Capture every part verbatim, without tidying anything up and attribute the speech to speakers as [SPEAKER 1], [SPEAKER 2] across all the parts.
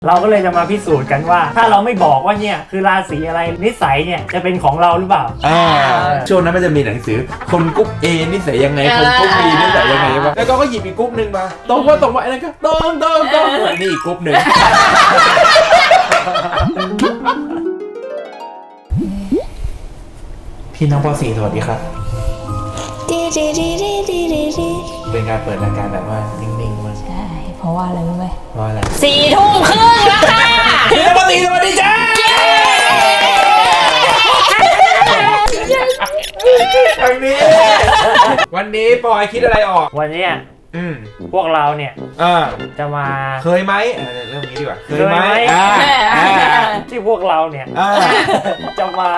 [SPEAKER 1] เราก็เลยจะมาพิสูจน์กันว่าถ้าเราไม่บอกว่าเนี่ยคือราศีอะไรนิสัยเนี่ยจะเป็นของเราหรือเปล่า
[SPEAKER 2] อ่าช่วงนั้นมันจะมีหนังสือคนกรุ๊ป A นิสัยยังไงคนกรุ๊ป B นิสัยยังไงวะแล้วก็หยิบอีกกรุ๊ปหนึ่งมาตรงว่าตรงว่าไอ้นั่นก็ตรงตรงตรงนี่อีกกรุ๊ปหนึ่งพี่น้องป .สี่ สวัสดีครับเป็นการเปิดรายการแบบว่านิ่งๆมาก
[SPEAKER 3] ใช่เพราะว่าอะไรรู้ไหม
[SPEAKER 2] เพราะอะไร
[SPEAKER 3] สี่ทุ่มครึ่งแล้วค่ะ
[SPEAKER 2] พี่น้องป .สี่ สวัสดีจ้าวันนี้วันนี้ปอยคิดอะไรออก
[SPEAKER 1] วันนี้
[SPEAKER 2] อืม
[SPEAKER 1] พวกเราเนี่ย
[SPEAKER 2] อ่า
[SPEAKER 1] จะมา
[SPEAKER 2] เคยไหมเรื่องนี้ดีกว่าเคยไหมอ่า
[SPEAKER 1] ที่พวกเราเนี่ยจะมา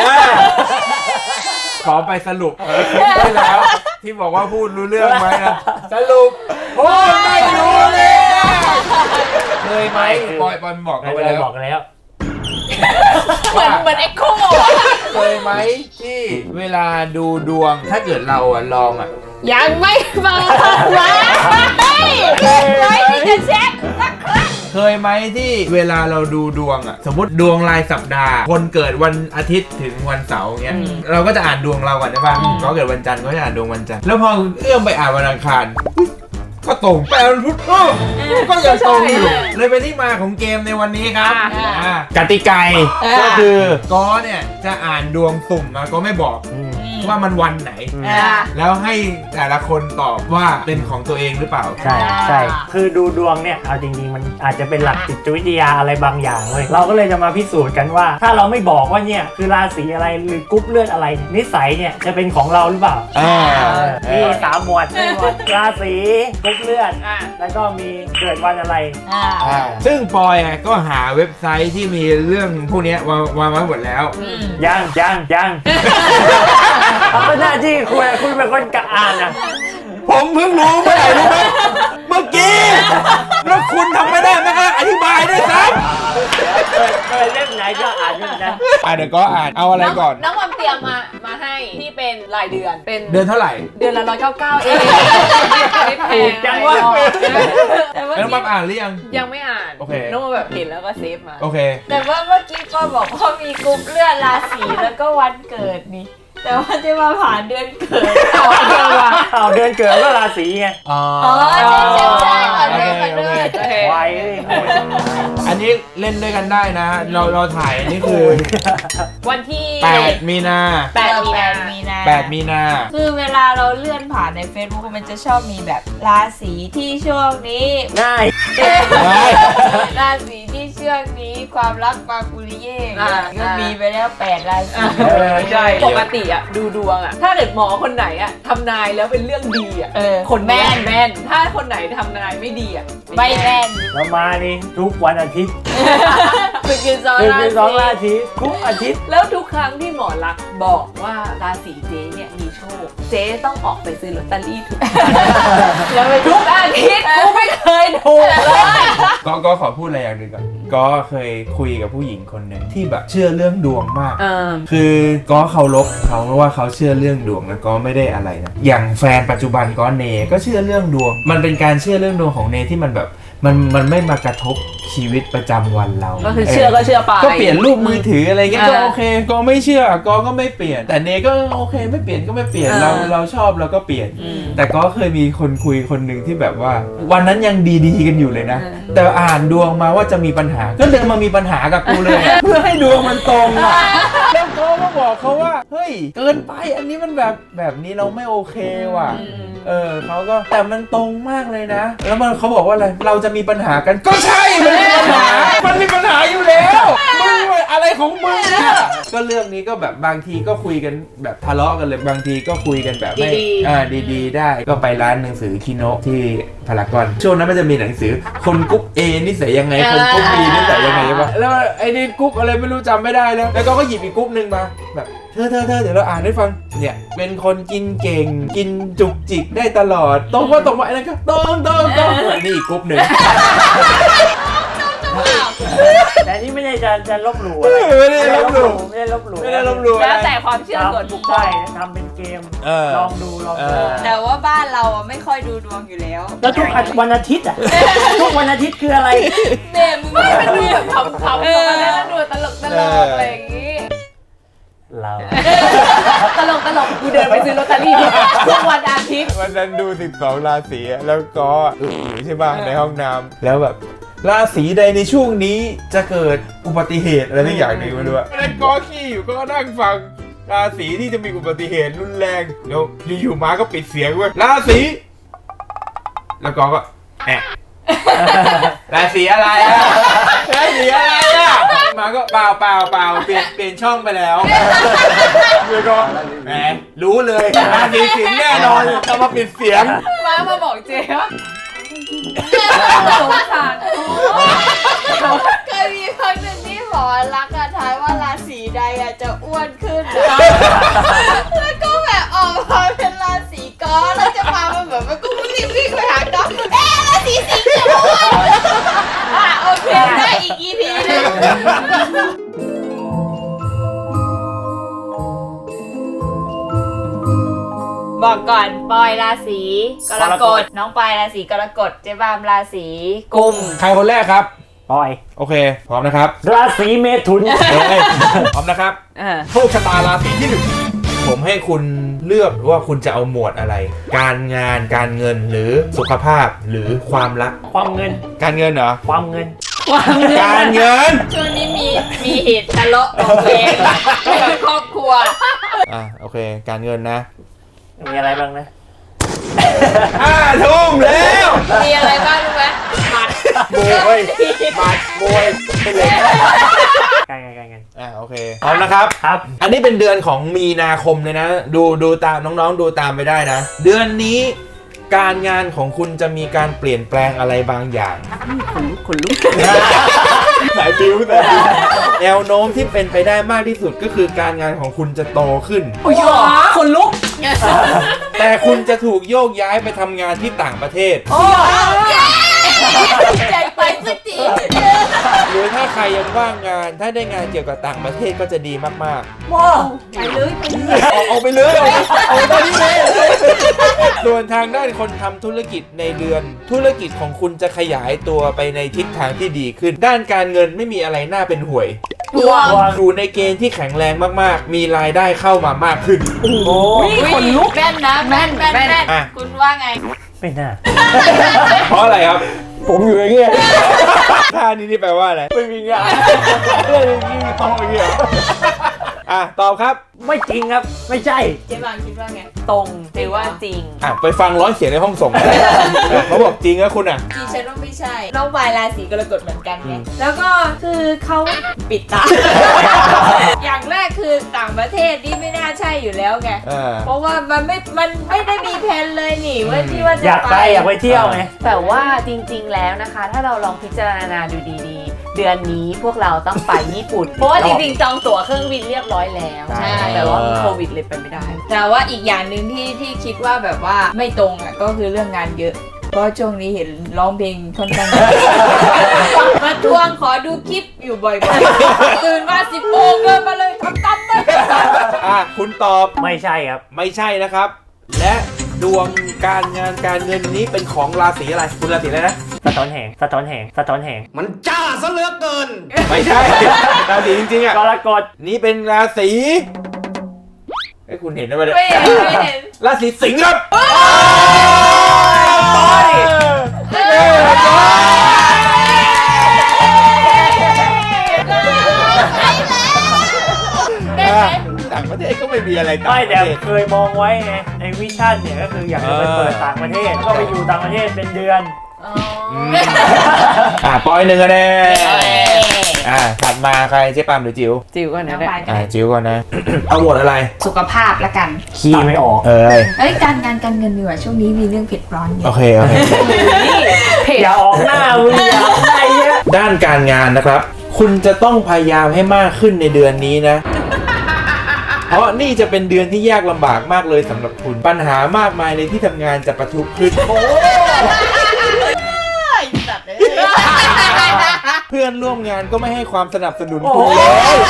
[SPEAKER 2] ขอไปสรุปได้แล้วที่บอกว่าพูดรู้เรื่องไหมนะสรุปพูดไม่รู้เลยเคยไหมปอยปอยบอกกันไปแล้ว
[SPEAKER 1] บอกแล้ว
[SPEAKER 3] เหมือนเหมือนเอ็กโค
[SPEAKER 2] เคยไหมที่เวลาดูดวงถ้าเกิดเราอ่ะลองอ่ะ
[SPEAKER 3] ยังไม่มาว้าไม่ที่จะเช็คสักครั้ง
[SPEAKER 2] เคยไหมที่เวลาเราดูดวงอ่ะสมมติดวงรายสัปดาห์คนเกิดวันอาทิตย์ถึงวันเสาร์เงี้ยเราก็จะอ่านดวงเราก่อนใช่ป่ะก็เกิดวันจันทร์ก็จะอ่านดวงวันจันทร์แล้วพอเอื้อมไปอ่านวันอังคารก็ตรงแปลวันพุธก็ยังตรงอยู่เลยเป็นที่มาของเกมในวันนี้ครับกติกาก็คือก็เนี่ยจะอ่านดวงสุ่มมาก็ไม่บอกว่ามันวันไหนแล้วให้แต่ละคนตอบว่าเป็นของตัวเองหรือเปล่า
[SPEAKER 1] ใช่ใช่คือดูดวงเนี่ยเอาจริงๆมันอาจจะเป็นหลักจิตวิทยาอะไรบางอย่างเลยเราก็เลยจะมาพิสูจน์กันว่าถ้าเราไม่บอกว่าเนี่ยคือราศีอะไรหรือกรุ๊ปเลือดอะไรนิสัยเนี่ยจะเป็นของเราหรือเปล่ามีสามหมวดหมวดราศีกรุ๊ปเลือดแล้วก็มีเกิดวันอะไร
[SPEAKER 2] ซึ่งปอยก็หาเว็บไซต์ที่มีเรื่องพวกนี้วางวางไว้หมดแล้ว
[SPEAKER 1] ยังยังยังเอาหน้าที่คุณคุณเป็นคนกะอ่านอ่ะ
[SPEAKER 2] ผมเพิ่งรู้เมื่อไหร่รู้ไหมเมื่อกี้แล้วคุณทำไม่ได้ไหมครับอธิบายด้วยซ้
[SPEAKER 1] ำเคยเล่มไหนก็อ่านด้วยนะ
[SPEAKER 2] อ่านเดี๋ยวก็อ่านเอาอะไรก่อน
[SPEAKER 3] น้องความเตรียมมามาให้ที่เป็นรายเดือนเป็น
[SPEAKER 2] เดือนเท่าไหร่
[SPEAKER 3] เดือนละร้อยเก้าเก้าเองไม่แพง
[SPEAKER 1] จังวะ
[SPEAKER 2] แล้วมาอ่านหรือยัง
[SPEAKER 3] ยังไม่อ่าน
[SPEAKER 2] โอเค
[SPEAKER 3] น้องแบบเห็นแล้วก็เซฟมา
[SPEAKER 2] โอเค
[SPEAKER 3] แต่ว่าเมื่อกี้ก็บอกว่ามีกลุ่มเลือดราศีแล้วก็วันเกิดนี่แต่ว่าจะมาผ่านเดือนเกิดเอาเดือนว่ะ
[SPEAKER 1] เอาเดือนเกิดก็ราศีไง
[SPEAKER 2] อ๋อ
[SPEAKER 3] ใช่ใช่ใช่ผ่านเดือนผ่านเดือน
[SPEAKER 1] ไว
[SPEAKER 2] อันนี้เล่นด้วยกันได้นะเราเราถ่ายอันนี้คือ
[SPEAKER 3] วันที่
[SPEAKER 2] แปดมีนา
[SPEAKER 3] แปดมีนามีนา
[SPEAKER 2] แปดมีนา
[SPEAKER 3] คือเวลาเราเลื่อนผ่านใน Facebook มันจะชอบมีแบบราศีที่ช่วงนี้
[SPEAKER 1] ง่าย
[SPEAKER 3] ราศีที่ช่วงนี้ความรักปากุริเย่ก็มีไปแล้วแปดราศี
[SPEAKER 1] ใช่
[SPEAKER 3] ปกติอะดูดวงอะถ้าเกิดหมอคนไหนอะทำนายแล้วเป็นเรื่องดีอะคนแม่นแม่นถ้าคนไหนทำนายไม่ดีอะไม่แม่น
[SPEAKER 1] เรามานี่ทุกวันอาทิตย์
[SPEAKER 3] คือกินสอง
[SPEAKER 1] ราศีทุกอาทิตย์
[SPEAKER 3] แล้วทุกครั้งที่หมอลักษณ์บอกว่าราศีเจ๊เนี่ยมีโชคเจ๊ต้องออกไปซื้อลอตเตอรี่ทุกแล้วทุกอาทิตย์กูไม่เคยถูกเลย
[SPEAKER 2] ก็ก็ขอพูดอะไรอย่างหนึ่งก่อนก็เคยคุยกับผู้หญิงคนหนึ่งที่แบบเชื่อเรื่องดวงมากคือก็เคารพเขาเพราะว่าเขาเชื่อเรื่องดวงแล้วก็ไม่ได้อะไรนะอย่างแฟนปัจจุบันก็เนก็เชื่อเรื่องดวงมันเป็นการเชื่อเรื่องดวงของเนที่มันแบบมันมันไม่มากระทบชีวิตประจำวันเรา
[SPEAKER 3] ก็คือเชื่อก็เชื่อไป
[SPEAKER 2] ก็เปลี่ยนรูปมือถืออะไรเงี้ยก็โอเคก็ไม่เชื่อก็ก็ไม่เปลี่ยนแต่เนก็โอเคไม่เปลี่ยนก็ไม่เปลี่ยนเราเราชอบเราก็เปลี่ยนแต่ก็เคยมีคนคุยคนหนึ่งที่แบบว่าวันนั้นยังดีๆกันอยู่เลยนะแต่อ่านดวงมาว่าจะมีปัญหาก็เดินมามีปัญหากับกูเลยเพื่อให้ดวงมันตรงอ่ะแล้วเขาก็บอกเขาว่าเฮ้ยเกินไปอันนี้มันแบบแบบนี้เราไม่โอเคว่ะเออเขาก็แต่มันตรงมากเลยนะแล้วมันเขาบอกว่าอะไรเราจะมีปัญหากันก็ใช่มันมีปัญหามันมีปัญหาอยู่แล้วมึงอะไรของมึงเนี่ยก็เรื่องนี้ก็แบบบางทีก็คุยกันแบบทะเลาะกันเลยบางทีก็คุยกันแบบไม่อ่าดีๆได้ก็ไปร้านหนังสือคิโนะที่พารากอนช่วงนั้นมันจะมีหนังสือคนกรุ๊ป A นิสัยยังไงคนกรุ๊ป B นิสัยยังไงวะแล้วไอ้นี่กรุ๊ปอะไรไม่รู้จำไม่ได้แล้วแล้วก็หยิบอีกกรุ๊ปนึงมาแบบเธอเธอเธอเดี๋ยวเราอ่านให้ฟังเนี่ยเป็นคนกินเก่งกินจุกจิกได้ตลอดตรงว่าตรงว่าไอ้นั่นก็ตรงตรงตรงนี่อีกกรุ๊ปหนึ่ง
[SPEAKER 1] แต่นี่ไม่ไม่ได้จะจะลบหลู่อะไร
[SPEAKER 2] ไม่ได้ลบหลู่
[SPEAKER 1] ไม่ได้ลบหลู่
[SPEAKER 2] ไม่ได้ลบหลู่
[SPEAKER 3] แล้วแต่ความเชื่อส่วนบุคคล
[SPEAKER 1] ใช่ทำเป็นเกม
[SPEAKER 2] เออ
[SPEAKER 1] ลองดูลอง
[SPEAKER 2] เอ
[SPEAKER 1] ดู
[SPEAKER 2] อ
[SPEAKER 4] แต่ว่าบ้านเราอะไม่ค่อยดูดวงอยู่แล้ว
[SPEAKER 1] แล้วทุกวันอาทิตย์อ่ะทุกวันอาทิตย์คืออะไร
[SPEAKER 4] แม่มึง
[SPEAKER 3] ไม่มันดูแบบขำๆของมันแล้วดูตลกตลกอะไรอย่างงี้
[SPEAKER 1] เรา
[SPEAKER 3] ตลกตลกกูเดินไปซื้อลอตเตอรี่ทุกวันอาทิตย์
[SPEAKER 2] วันนั้นดูสิบสองราศีแล้วก็อึอยู่ใช่ป่ะในห้องน้ำแล้วแบบราศีใดในช่วงนี้จะเกิดอุบัติเหตุอะไรสักอย่างหนึ่งไม่รู้อะแล้วก็ขี้อยู่ก็นั่งฟังราศีที่จะมีอุบัติเหตุรุนแรงแล้วอยู่ๆมาก็ปิดเสียงเว้ยราศีแล้วก็ก็แอะราศีอะไรอะราศีอะไรอะมาก็เปล่าเปล่าเปล่าเปลี่ยนเปลี่ยนช่องไปแล้วแล้วก็แหมรู้เลยราศีสิงห์แน่นอนจะมาปิดเสียง
[SPEAKER 3] มามาบอกเจ๊ว่าสงสาร
[SPEAKER 4] เคยมีครั้งหนึ่งที่หมอรักษณ์อะทายว่าราศีใดอะจะอ้วนขึ้นอะแล้วก็แบบออกมาเป็นราศีกอแล้วจะมามันแบบมันก็รีบวิ่งไปหากอเอ๊ะราศีสิงห์จะอ้วนอ่ะโอเคได้อีก อี พี หนึง บอกก่อนปอยราศีกรกฎน้องปอยราศีกรกฎเจ๊บามราศีกุม
[SPEAKER 2] ใครคนแรกครับ
[SPEAKER 1] ปอย
[SPEAKER 2] โอเค พร้อมนะครับ
[SPEAKER 1] ราศีเมถุน
[SPEAKER 2] เฮ้ยพร้อมนะครับ
[SPEAKER 3] เออ
[SPEAKER 2] โชคชะตาราศีที่หนึ่งผมให้คุณเลือกว่าคุณจะเอาหมวดอะไร การงานการเงินหรือสุขภาพหรือความรัก
[SPEAKER 1] ความเงิน
[SPEAKER 2] การเงินเหรอ
[SPEAKER 1] ความเงิน
[SPEAKER 3] ความเงิน
[SPEAKER 2] การเงิน
[SPEAKER 4] ช่วงนี้มีมีเหตุทะเลาะเบาะแว้งในครอบครัว
[SPEAKER 2] อ่ะโอเค การเงินนะ
[SPEAKER 1] มีอะไรบ้างนะ
[SPEAKER 2] ห้าทุ่มแล้ว
[SPEAKER 4] มีอะไรบ้างรู้ไหมหมัด
[SPEAKER 2] มวยบัตรมวยเป็นเลย
[SPEAKER 1] การเงินการเงิน
[SPEAKER 2] อ่ะโอเคพร้อมนะครับ
[SPEAKER 1] ครับ
[SPEAKER 2] อันนี้เป็นเดือนของมีนาคมเลยนะ ดูดูตามน้องๆดูตามไปได้นะ เดือนนี้การงานของคุณจะมีการเปลี่ยนแปลงอะไรบางอย่าง
[SPEAKER 3] ขนลุก
[SPEAKER 2] สายบิวแต่แนวโน้มที่เป็นไปได้มากที่สุดก็คือการงานของคุณจะโตขึ้น
[SPEAKER 3] โอ้ยขนลุก
[SPEAKER 2] แต่คุณจะถูกโยกย้ายไปทำงานที่ต่างประเทศ
[SPEAKER 3] โอ้ย
[SPEAKER 4] ใจไปสักที
[SPEAKER 2] หรือถ้าใครยังว่างงาน ถ้าได้งานเกี่ยวกับต่างประเทศก็จะดีมาก
[SPEAKER 3] ว้าว
[SPEAKER 4] ไปเลยไปเลย
[SPEAKER 2] ๆ ออกออกไปเลยออกออกไปตอนนี้เลยส่วนทางด้านคนทำธุรกิจในเดือน ธุรกิจของคุณจะขยายตัวไปในทิศทางที่ดีขึ้น ด้านการเงินไม่มีอะไรน่าเป็นห่วย
[SPEAKER 4] ดวง
[SPEAKER 2] อยู่ในเกณฑ์ที่แข็งแรงมากๆ มีรายได้เข้ามามากขึ้น
[SPEAKER 1] โอ้โห
[SPEAKER 3] ขนลุก
[SPEAKER 4] แม่นนะแม่นแม่นแม่น
[SPEAKER 2] อ่ะ
[SPEAKER 4] คุณว่าไง
[SPEAKER 1] ไม่น่า
[SPEAKER 2] เพราะอะไรครับ
[SPEAKER 1] ผมอยู่อย่างเงี้ย
[SPEAKER 2] ท่านี้นี่แปลว่าอะไร
[SPEAKER 1] ไม่มีงาน
[SPEAKER 2] เรื่องนี้มีต้องอย่างเงี้ยอ่ะตอบครับ
[SPEAKER 1] ไม่จริงครับ ไม่ใช่
[SPEAKER 4] เจ๊บางคิดว่าไง
[SPEAKER 3] ตรงหรือว่าจริง
[SPEAKER 2] อ่ะไปฟังร้อยเสียงในห้องส่งเขาบอกจริงนะคุณอ่ะ
[SPEAKER 4] จริงฉันว่าไม่ใช่ น้องปายราศีกรกฎเหมือนกันไง แล้วก็คือเขาปิดตา อย่างแรกคือต่างประเทศนี่ไม่น่าใช่อยู่แล้วไง
[SPEAKER 2] อ่า
[SPEAKER 4] เพราะว่ามันไม่ มันไม่ได้มีแผนเลยนี่ว่าที่ว่าจะ
[SPEAKER 1] อยากไปอยากไปเที่ยวไง
[SPEAKER 3] แต่ว่าจริงๆแล้วนะคะ ถ้าเราลองพิจารณาดูดีๆ เดือนนี้พวกเราต้องไปญี่ปุ่น เพราะว่าจริงๆ จองตั๋วเครื่องบินเรียบร้อยแล้ว
[SPEAKER 1] ใช่
[SPEAKER 3] แต่ว่ามีโควิดเลยไปไม่ได้
[SPEAKER 4] แต่ว่าอีกอย่างหนึ่งที่ที่คิดว่าแบบว่าไม่ตรงอ่ะก็คือเรื่องงานเยอะ เพราะช่วงนี้เห็นร้องเพลงค่อนข้าง มาทวงขอดูคลิปอยู่บ่อยๆ ตื่นมาสิบโมงเดินมาเลยทำตั้มไป
[SPEAKER 2] อ่ะคุณตอบ
[SPEAKER 1] ไม่ใช่ครับ
[SPEAKER 2] ไม่ใช่นะครับ และดวงการงานการเงินนี้เป็นของราศีอะไร คุณราศีอะไรนะ
[SPEAKER 1] สะท้อนแหงสะท้อนแหงสะท้อนแหง
[SPEAKER 5] มันจ้าซะเหลือเกิน
[SPEAKER 2] ไม่ใช่ ราศีจริงๆอ่ะ
[SPEAKER 1] กรกฎ
[SPEAKER 2] นี่เป็นราศีไอ้ยคุณเห็นได้ไหมเนี่ย
[SPEAKER 4] ไม่เห็นไม่เห็น
[SPEAKER 2] ราศีสิงห์ครับ
[SPEAKER 1] ปอย
[SPEAKER 2] เอ้ยอ่ะต่างประเทศก็ไม่มีอะไรต่าง
[SPEAKER 1] ไม่
[SPEAKER 2] ประ
[SPEAKER 1] แต่
[SPEAKER 2] เทศ
[SPEAKER 1] เคยมองไว้ไงในวิชั่นเนี่ยก็คืออยากจะไปเปิดต่างประเทศก็ไปอยู่ต่างประเทศเป็นเดือน
[SPEAKER 4] อ๋อ
[SPEAKER 2] อ่ะปอยหนึ่งคะแนนอ่ะถัดมาใครเจ๊ปามหรือจิ๋ว
[SPEAKER 3] จิ๋วก่อน
[SPEAKER 4] น้
[SPEAKER 3] นะ
[SPEAKER 4] อง
[SPEAKER 3] เนี่ย
[SPEAKER 4] ปายกั
[SPEAKER 2] อ่ะ
[SPEAKER 4] น
[SPEAKER 2] จิ๋วก่อนนะ เอาหมวดอะไร
[SPEAKER 4] สุขภาพละกัน
[SPEAKER 1] ขี้ไม่ออก
[SPEAKER 2] เอ้ย
[SPEAKER 4] เอ้ยการงานการเงินดีกว่าช่วงนี้มีเรื่องเผ็ดร้อนเย
[SPEAKER 2] โอ
[SPEAKER 4] อะ
[SPEAKER 2] เคโอเค
[SPEAKER 3] เพจ
[SPEAKER 1] อย่าออกหน้ามึงอย่าออกหน้าเยอะ
[SPEAKER 2] ด้านการงานนะครับ คุณจะต้องพยายามให้มากขึ้นในเดือนนี้นะ เพราะนี่จะเป็นเดือนที่ยากลำบากมากเลยสำหรับคุณ ปัญหามากมายในที่ทำงานจะประทุขึ้น
[SPEAKER 4] สัตว์เลย
[SPEAKER 2] เพื่อนร่วมงานก็ไม่ให้ความสนับสนุนคุณเลย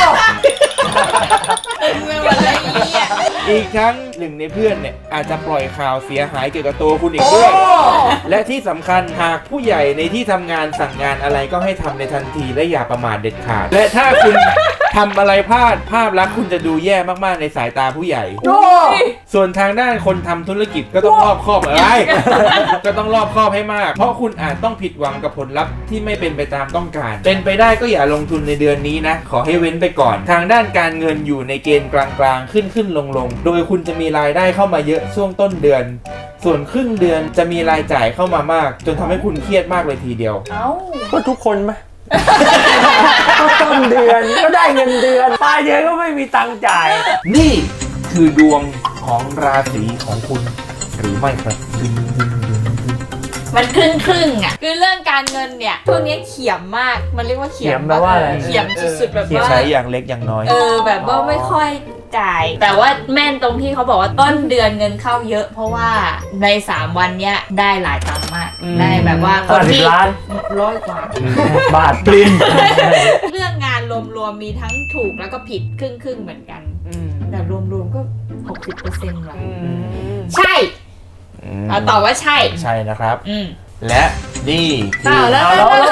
[SPEAKER 4] เป็นวันอะไรเนี่ย
[SPEAKER 2] อีกทั้งหนึ่งในเพื่อนเนี่ยอาจจะปล่อยข่าวเสียหายเกี่ยวกับตัวคุณอีกด้วย และที่สำคัญหากผู้ใหญ่ในที่ทำงานสั่งงานอะไรก็ให้ทำในทันทีและอย่าประมาทเด็ดขาด และถ้าคุณทำอะไรพลาดภาพลักษณ์คุณจะดูแย่มากๆในสายตาผู้ใหญ่ ส่วนทางด้านคนทำธุรกิจก็ต้องรอบคอบอะไร ก็ต้องรอบคอบให้มาก เพราะคุณอาจต้องผิดหวังกับผลลัพธ์ที่ไม่เป็นไปตามต้องการ เป็นไปได้ก็อย่าลงทุนในเดือนนี้นะ ขอให้เว้นไปก่อน ทางด้านการเงินอยู่ในเกณฑ์กลางๆ ขึ้นขึ้นลงลงๆโดยคุณจะมีรายได้เข้ามาเยอะช่วงต้นเดือน ส่วนครึ่งเดือนจะมีรายจ่ายเข้ามามาก จนทำให้คุณเครียดมากเลยทีเดียว
[SPEAKER 3] เอ้า
[SPEAKER 1] ก็ทุกคนไหม ก็ต้นเดือนก็ได้เงินเดือนปลายเดือนก็ไม่มีตังค์จ่าย
[SPEAKER 2] นี่คือดวงของราศีของคุณหรือไม่ครับดึงดึงดึงดึง
[SPEAKER 4] มันครึ่งครึ่งๆอ่ะคือเรื่องการเงินเนี่ยช่วงนี้เขียมมากมันเรียกว่าเขียม
[SPEAKER 1] เขียมแปลว่าอะไร
[SPEAKER 4] เขียมสุดๆแบบว่า
[SPEAKER 2] ใช้อย่างเล็กอย่างน้อย
[SPEAKER 4] เออแบบว่าไม่ค่อยจ่าย แต่ว่าแม่นตรงที่เขาบอกว่าต้นเดือนเงินเข้าเยอะ เพราะว่าในสามวันเนี้ยได้หลายตังค์มาก
[SPEAKER 2] อืม
[SPEAKER 4] ได้แบบว่าคน
[SPEAKER 1] ห้าสิบ
[SPEAKER 4] ที่
[SPEAKER 1] ล้าน
[SPEAKER 4] ร้อยกว่า
[SPEAKER 1] บาทปริน
[SPEAKER 4] เรื่องงานรวมๆมีทั้งถูกแล้วก็ผิดครึ่งๆเหมือนกัน
[SPEAKER 3] อืม
[SPEAKER 4] แต่รวมๆก็ หกสิบเปอร์เซ็นต์ ว่ะ
[SPEAKER 3] อืม
[SPEAKER 4] ใช่เอาตอบว่าใช่
[SPEAKER 2] ใช่นะครับ
[SPEAKER 4] อืม
[SPEAKER 2] และนี่คือ
[SPEAKER 4] อ้าวแล้ว
[SPEAKER 1] เอาแล้ว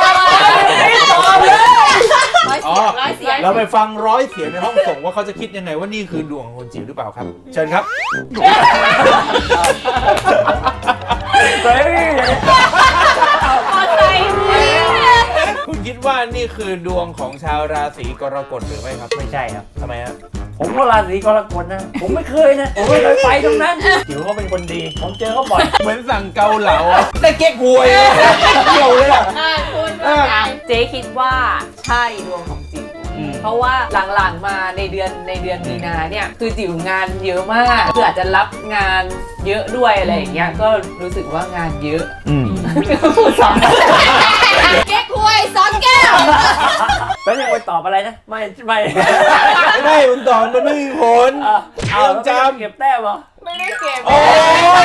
[SPEAKER 4] ร้อยเสียงร้อยเสียง
[SPEAKER 2] เราไปฟังร้อยเสียงในห้องส่งว่าเขาจะคิดยังไงว่านี่คือดวงของคนจิ๋วหรือเปล่าครับ เชิญครับ
[SPEAKER 1] เฮ้ย
[SPEAKER 4] พอใจ
[SPEAKER 2] คุณคิดว่านี่คือดวงของชาวราศีกรกฎหรือไม่ครับ
[SPEAKER 1] ไม่ใช่ครับ
[SPEAKER 2] ทำไมครับ
[SPEAKER 1] ผมก็ราศีกรกฎนะ ผมไม่เคยนะ ผมไม่เคยไปตรงนั้นจิ๋วเขาเป็นคนดี ผมเจอเขาบ่อย
[SPEAKER 2] เหมือนสั่งเกาเหลาอะแต่เก๊กหวยอะเกี่ยวเลยอ่ะ
[SPEAKER 4] อ่าคุณว่าไง
[SPEAKER 3] เจ๊คิดว่าใช่ดวงของจิ๋ว
[SPEAKER 2] อืม
[SPEAKER 3] เพราะว่าหลังๆมาในเดือนในเดือนมีนาเนี่ยคือจิ๋วงานเยอะมากคืออาจจะรับงานเยอะด้วยอะไรอย่างเงี้ยก็รู้สึกว่างานเยอะ
[SPEAKER 2] อืม
[SPEAKER 3] พูดสอง
[SPEAKER 4] เก๊กฮวยสองแก้ว
[SPEAKER 1] แล้วยังไปตอบอะไรนะ ไม่ ไม่
[SPEAKER 2] ไม่คุณตอบมันไม่มีผล
[SPEAKER 1] เอาเอา
[SPEAKER 2] จำ
[SPEAKER 1] เก็บแต้มเหรอ
[SPEAKER 3] ไม่ได้เก็บ
[SPEAKER 2] โอ้ย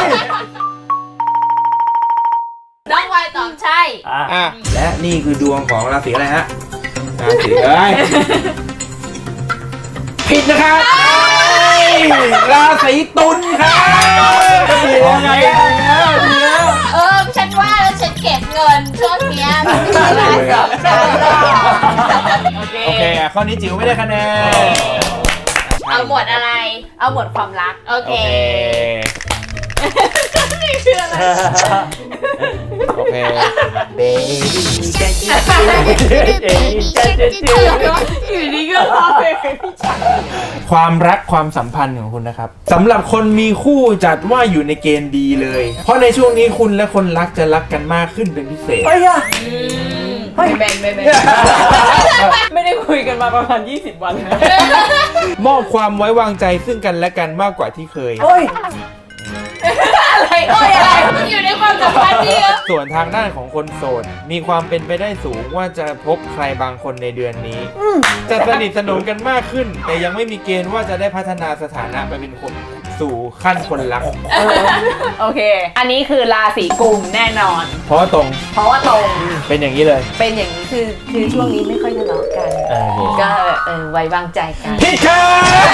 [SPEAKER 4] น้องวายตอบใช่
[SPEAKER 1] อ่ะ
[SPEAKER 2] อ่ะและนี่คือดวงของราศีอะไรฮะ ราศีเอ้ยผิดนะครับราศีตุลครับดีแล้วไงแล้วดีแล้ว
[SPEAKER 4] เออ ฉันว่าแล้วฉันเก็บเงินช่วงเนี้ยมันไม่มีราศีใช่
[SPEAKER 3] โอเค
[SPEAKER 2] โอเคอ่ะข้อนี้จิ๋วไม่ได้คะแนน
[SPEAKER 4] เอาหมดอะไร
[SPEAKER 3] เอาหมดความรัก
[SPEAKER 4] โอ
[SPEAKER 2] โอ
[SPEAKER 4] เค
[SPEAKER 2] เค
[SPEAKER 4] นี่คืออะไร
[SPEAKER 2] โอเค
[SPEAKER 1] เบบี้เจ๊จิ๊ดเจ๊จิ๊ดเจ๊จิ๊ด
[SPEAKER 4] อยู่ดีก็พอเพลงพี่ชาย
[SPEAKER 2] ความรักความสัมพันธ์ของคุณนะครับสำหรับคนมีคู่จัดว่าอยู่ในเกณฑ์ดีเลย เพราะในช่วงนี้คุณและคนรักจะรักกันมากขึ้นเป็นพิเศษ
[SPEAKER 1] เฮ้ยอะ
[SPEAKER 3] ไม่แบ่งไม่แบ่งไม่ได้คุยกันมาประมาณยี่สิบวันนะ
[SPEAKER 2] มอบความไว้วางใจซึ่งกันและกันมากกว่าที่เคย
[SPEAKER 1] เฮ้ย
[SPEAKER 3] อะไรโอ้ยอะไร
[SPEAKER 4] มันอยู่ในความสัมพันธ์ที่
[SPEAKER 2] ส่วนทางด้านของคนโสดมีความเป็นไปได้สูงว่าจะพบใครบางคนในเดือนนี้ จะสนิทสนมกันมากขึ้น แต่ยังไม่มีเกณฑ์ว่าจะได้พัฒนาสถานะไปเป็นคนสู่ขั้นคนรัก
[SPEAKER 3] โอเค อันนี้คือราศีกุมแน่นอน
[SPEAKER 2] เพราะว่าตรง
[SPEAKER 3] เพราะว่าตรง
[SPEAKER 2] เป็นอย่างนี้เลย
[SPEAKER 3] เป็นอย่างนี้คือคือช่วงนี้ไม่ค่อยทะเลาะกัน
[SPEAKER 2] เออ
[SPEAKER 3] ก็เออไว้วางใจกัน
[SPEAKER 2] ผิดครับ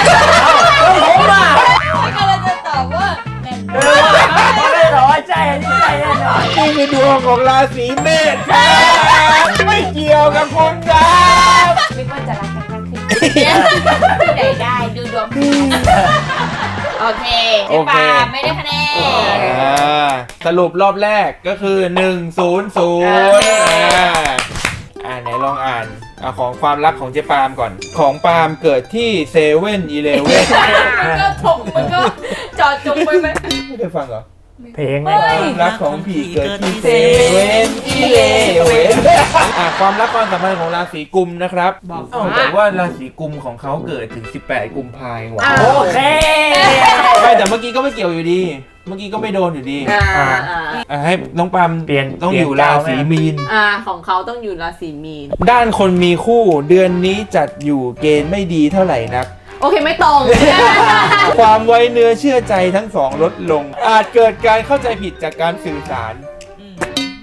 [SPEAKER 1] ผมอ่ะ
[SPEAKER 4] ก็เลยจะตอบว่าแม่น
[SPEAKER 1] เออไม่ได้หรอใช่อันนี้ใช่แน่นอน
[SPEAKER 2] นี่คือดวงของราศีเมษครับไม่เกี่ยวกับคุณครับ
[SPEAKER 3] คิดว่าจะรักกันมากขึ้น
[SPEAKER 4] ที่ไหนได้ดูดวงโอเคเจ๊ปาไม่ได้คะแนน
[SPEAKER 2] อ่าสรุปรอบแรกก็คือหนึ่ง ศูนย์ ศูนย์อ่าอ่าไหนลองอ่านเอาของความรักของเจ๊ปาล์มก่อน ของปาล์มเกิดที่เซเว่นอีเลเว่น
[SPEAKER 4] มันก็ถกมันก็จอดจงไปไหม
[SPEAKER 2] ไม่เคยฟังเหรอ
[SPEAKER 1] เพลง
[SPEAKER 2] ความรักของผีเกิดที่เซเว่นอีเลเว่นอ่ะความรักความสัมพันธ์ของราศีกุมนะครับบอกแต่ว่าราศีกุมของเขาเกิดถึงสิบแปดกุมภาพันธ์ว่ะ
[SPEAKER 1] โอเค
[SPEAKER 2] ไม่แต่เมื่อกี้ก็ไม่เกี่ยวอยู่ดี เมื่อกี้ก็ไม่โดนอยู่ดี
[SPEAKER 3] อ่าอ่า
[SPEAKER 2] อ่ะให้น้องปาล์ม
[SPEAKER 1] เปลี่ยน
[SPEAKER 2] ต้องอยู่ราศีมีน
[SPEAKER 3] อ่าของเขาต้องอยู่ราศีมีน
[SPEAKER 2] ด้านคนมีคู่เดือนนี้จัดอยู่เกณฑ์ไม่ดีเท่าไหร่นัก
[SPEAKER 3] โอเคไม่ตรง
[SPEAKER 2] ความไว้เนื้อเชื่อใจทั้งสองลดลง อาจเกิดการเข้าใจผิดจากการสื่อสาร ไม่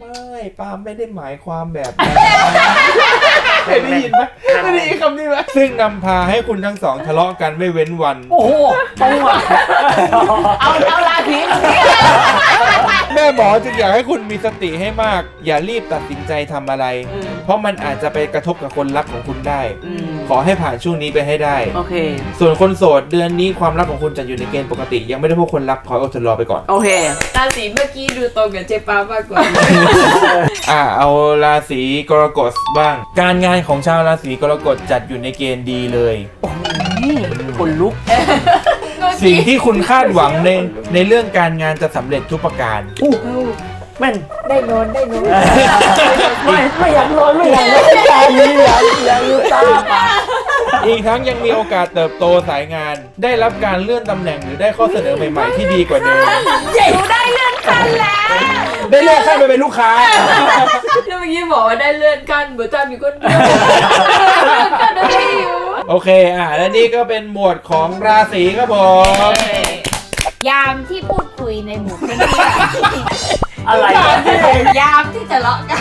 [SPEAKER 2] ปาล์มไม่ได้หมายความแบบนั้นเคยได้ยินไหมไม่ได้ยินคำนี้ไหมซึ่งนำพาให้คุณทั้งสองทะเลาะกันไม่เว้นวัน
[SPEAKER 1] โอ้โหตรงอ่ะ
[SPEAKER 3] เอาเอาราศีตรงนี้
[SPEAKER 2] แม่หมอจึงอยากให้คุณมีสติให้มาก อย่ารีบตัดสินใจทำอะไร เพราะมันอาจจะไปกระทบกับคนรักของคุณได้ ขอให้ผ่านช่วงนี้ไปให้ได้
[SPEAKER 3] โอเค
[SPEAKER 2] ส่วนคนโสดเดือนนี้ความรักของคุณจะอยู่ในเกณฑ์ปกติ ยังไม่ได้พบคนรักขออดทนรอไปก่อน
[SPEAKER 3] โอเค
[SPEAKER 4] ราศีเมื่อกี้ดูตรงกับเจ๊ปามากกว่า
[SPEAKER 2] อ่าเอาราศีกรกฎบ้าง การงานของชาวราศีกรกฎจัดอยู่ในเกณฑ์ดีเลย
[SPEAKER 3] คนลุก
[SPEAKER 2] สิ่งที่คุณคาดหวังในในเรื่องการงานจะสำเร็จทุกประการ
[SPEAKER 1] แม่น
[SPEAKER 4] ได้นอนได้นอน
[SPEAKER 1] ไม่ไม่อยากนอนไม่อยากนอนตานี้อยากอยากอยู่ตาปาก
[SPEAKER 2] อีกทั้งยังมีโอกาสเติบโตสายงาน ได้รับการเลื่อนตำแหน่งหรือได้ข้อเสนอใหม่ๆที่ดีกว่าเดิม
[SPEAKER 3] หนูได้เลื่อนขั้นแล้ว
[SPEAKER 2] ได้เลื่อนขั้นไปเป็นลูกค้า
[SPEAKER 4] แล้วเมื่อกี้บอกว่าได้เลื่อนขั้นเหมือนจำอยู่คนเดียวเลื่อนขั้นได้อยู่
[SPEAKER 2] โอเคอ่ะและนี่ก็เป็นหมวดของราศีครับผม
[SPEAKER 4] ยามที่พูดคุยในหมู่เพื่อน
[SPEAKER 1] อะไรวะ
[SPEAKER 4] ยามที่ทะเลาะกัน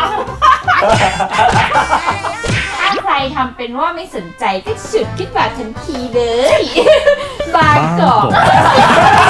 [SPEAKER 4] ถ้าใครทำเป็นว่าไม่สนใจก็ฉุดขึ้นมาทันทีเลย บางกอก